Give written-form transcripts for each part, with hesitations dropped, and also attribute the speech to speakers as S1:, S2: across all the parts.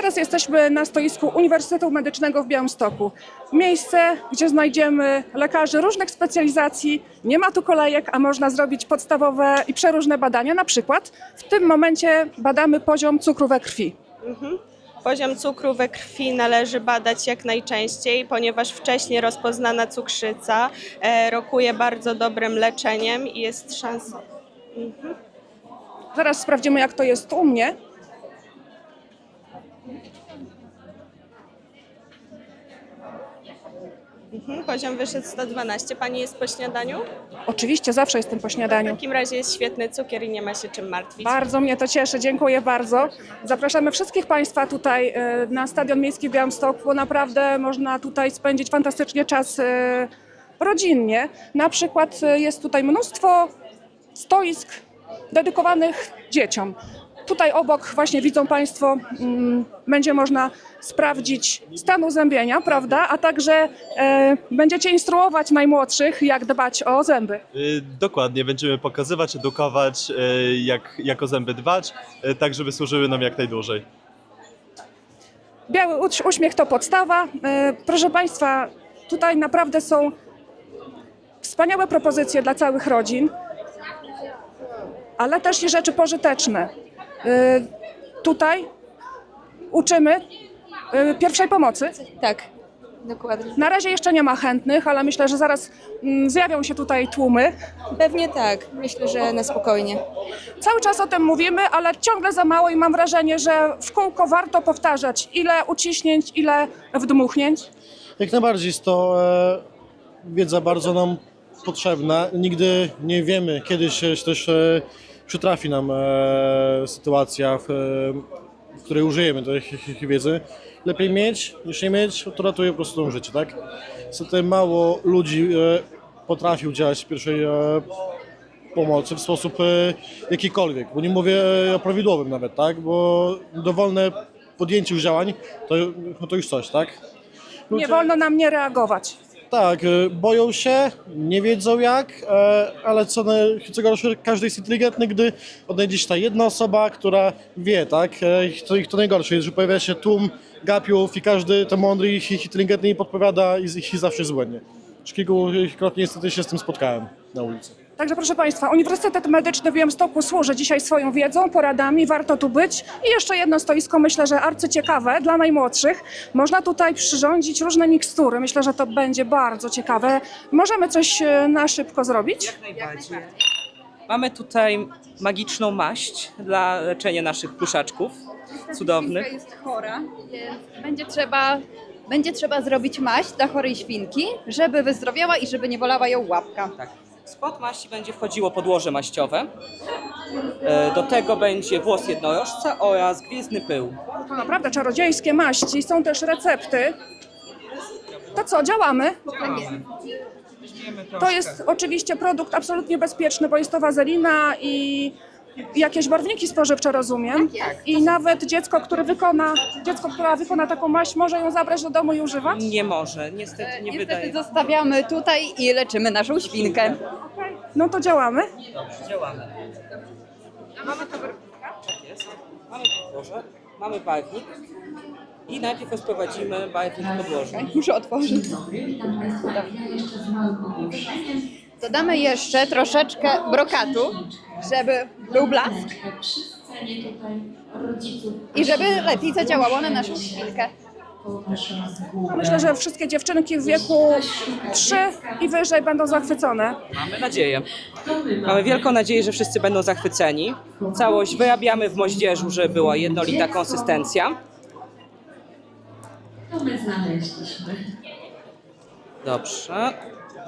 S1: Teraz jesteśmy na stoisku Uniwersytetu Medycznego w Białymstoku. Miejsce, gdzie znajdziemy lekarzy różnych specjalizacji. Nie ma tu kolejek, a można zrobić podstawowe i przeróżne badania. Na przykład w tym momencie badamy poziom cukru we krwi.
S2: Poziom cukru we krwi należy badać jak najczęściej, ponieważ wcześniej rozpoznana cukrzyca rokuje bardzo dobrym leczeniem i jest szansa.
S1: Zaraz sprawdzimy, jak to jest u mnie.
S2: Poziom wyszedł 112. Pani jest po śniadaniu?
S1: Oczywiście, zawsze jestem po
S2: W
S1: śniadaniu.
S2: takim razie jest świetny cukier i nie ma się czym martwić.
S1: Bardzo mnie to cieszy, dziękuję bardzo. Zapraszamy wszystkich Państwa tutaj na Stadion Miejski w Białymstoku, bo naprawdę można tutaj spędzić fantastycznie czas rodzinnie. Na przykład jest tutaj mnóstwo stoisk dedykowanych dzieciom. Tutaj obok właśnie widzą Państwo, będzie można sprawdzić stan uzębienia, prawda? A także będziecie instruować najmłodszych, jak dbać o zęby.
S3: Dokładnie, będziemy pokazywać, edukować, jak o zęby dbać, tak żeby służyły nam jak najdłużej.
S1: Biały uśmiech to podstawa. Proszę Państwa, tutaj naprawdę są wspaniałe propozycje dla całych rodzin, ale też i rzeczy pożyteczne. Tutaj uczymy pierwszej pomocy.
S4: Tak, dokładnie.
S1: Na razie jeszcze nie ma chętnych, ale myślę, że zaraz zjawią się tutaj tłumy.
S4: Pewnie tak. Myślę, że na spokojnie.
S1: Cały czas o tym mówimy, ale ciągle za mało i mam wrażenie, że w kółko warto powtarzać, ile uciśnięć, ile wdmuchnięć.
S5: Jak najbardziej jest to wiedza bardzo nam potrzebna. Nigdy nie wiemy, kiedy się też przytrafi nam sytuacja, w której użyjemy tej wiedzy. Lepiej mieć niż nie mieć, to ratuje po prostu życie, tak? Niestety mało ludzi potrafi udzielać pierwszej pomocy w sposób jakikolwiek, bo nie mówię o prawidłowym nawet, tak? Bo dowolne podjęcie już działań to już coś, tak?
S1: Nie wolno nam nie reagować.
S5: Tak, boją się, nie wiedzą jak, ale co gorsze, każdy jest inteligentny, gdy odnajdzie się ta jedna osoba, która wie, tak? To najgorsze jest, że pojawia się tłum gapiów i każdy to mądry i inteligentny i podpowiada i zawsze jest błędnie. Już kilkukrotnie niestety się z tym spotkałem na ulicy.
S1: Także proszę Państwa, Uniwersytet Medyczny w Białymstoku służy dzisiaj swoją wiedzą, poradami, warto tu być. I jeszcze jedno stoisko, myślę, że arcyciekawe dla najmłodszych. Można tutaj przyrządzić różne mikstury, myślę, że to będzie bardzo ciekawe. Możemy coś na szybko zrobić?
S6: Jak najbardziej. Mamy tutaj magiczną maść dla leczenia naszych pluszaczków cudownych.
S7: Świnka jest chora, więc będzie trzeba zrobić maść dla chorej świnki, żeby wyzdrowiała i żeby nie bolała ją łapka.
S6: Tak. W skład maści będzie wchodziło podłoże maściowe. Do tego będzie włos jednorożca oraz gwiezdny pył.
S1: To naprawdę czarodziejskie maści, są też recepty. To co, działamy? To jest oczywiście produkt absolutnie bezpieczny, bo jest to wazelina i jakieś barwniki spożywcze, rozumiem. I nawet dziecko, która wykona taką maść, może ją zabrać do domu i używać?
S6: Nie może, niestety nie wydaje.
S7: Niestety zostawiamy tutaj i leczymy naszą świnkę.
S1: No to działamy.
S6: Dobrze, działamy. Mamy to tak jest. Mamy podłoże, mamy barwnik i najpierw rozprowadzimy barwnik w podłożu.
S7: Muszę otworzyć. Dodamy jeszcze troszeczkę brokatu, żeby był blask i żeby lepiej zadziałało na naszą świnkę.
S1: Myślę, że wszystkie dziewczynki w wieku 3 i wyżej będą zachwycone.
S6: Mamy nadzieję. Mamy wielką nadzieję, że wszyscy będą zachwyceni. Całość wyrabiamy w moździerzu, żeby była jednolita konsystencja.
S8: To my znaleźliśmy.
S6: Dobrze.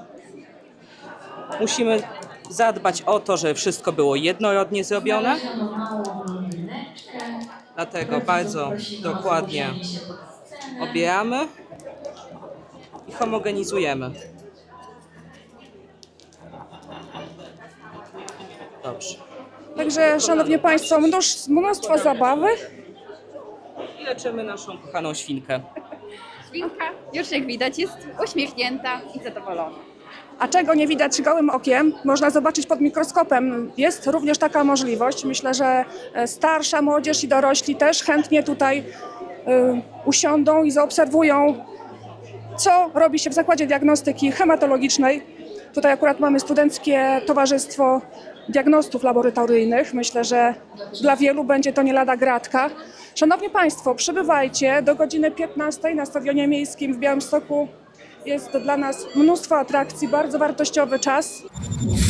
S6: Musimy zadbać o to, żeby wszystko było jednorodnie zrobione. Dlatego bardzo dokładnie obieramy i homogenizujemy. Dobrze.
S1: Także, szanowni Państwo, mnóstwo zabawy.
S6: I leczymy naszą kochaną świnkę.
S7: Świnka, już jak widać, jest uśmiechnięta i zadowolona.
S1: A czego nie widać gołym okiem, można zobaczyć pod mikroskopem. Jest również taka możliwość. Myślę, że starsza młodzież i dorośli też chętnie tutaj usiądą i zaobserwują, co robi się w Zakładzie Diagnostyki Hematologicznej. Tutaj akurat mamy Studenckie Towarzystwo Diagnostów Laboratoryjnych. Myślę, że dla wielu będzie to nie lada gratka. Szanowni Państwo, przybywajcie do godziny 15 na Stadionie Miejskim w Białymstoku. Jest dla nas mnóstwo atrakcji, bardzo wartościowy czas.